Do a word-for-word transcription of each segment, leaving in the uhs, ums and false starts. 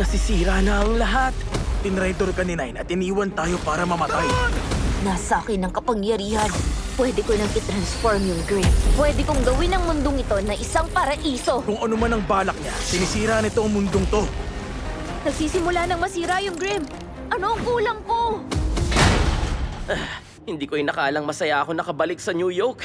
Nasisira na ang lahat. Tinraidor ka ni Nine at iniwan tayo para mamatay. Nasa akin ang kapangyarihan. Pwede ko nang i-transform yung Grim. Pwede kong gawin ang mundong ito na isang paraiso. Kung ano man ang balak niya, sinisira nito ang mundong to. Nagsisimula nang masira yung Grim. Ano ang kulang ko? Hindi ko inakalang masaya ako nakabalik sa New York.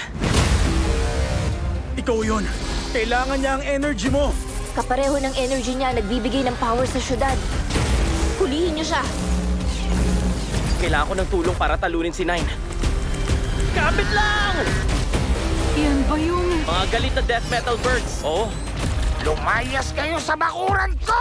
Ikaw yon. Kailangan niya ang energy mo. Kapareho ng energy niya nagbibigay ng power sa syudad. Hulihin niyo siya. Kailangan ko ng tulong para talunin si Nine. Kapit lang! Yan ba yung... Mga galit na death metal birds. Oh, Lumayas kayo sa bakuran ko!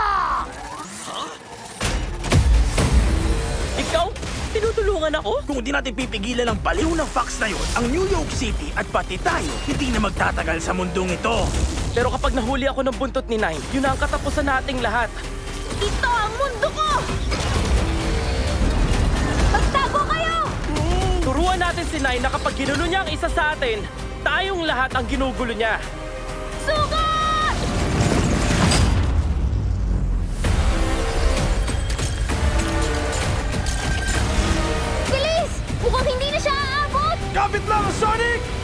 ikaw? Tinutulungan ako? Kung di natin pipigilan ang baliw ng Fox na yon, ang New York City at pati tayo, hindi na magtatagal sa mundong ito. Pero kapag nahuli ako ng buntot ni Nine, yun na ang katapusan nating lahat. Ito ang mundo ko! Magtago kayo! Turuan natin si Nine na kapag ginulo niya ang isa sa atin, tayong lahat ang ginugulo niya. Sugat! Bilis! Mukhang hindi na siya aabot! Kapit lang, Sonic!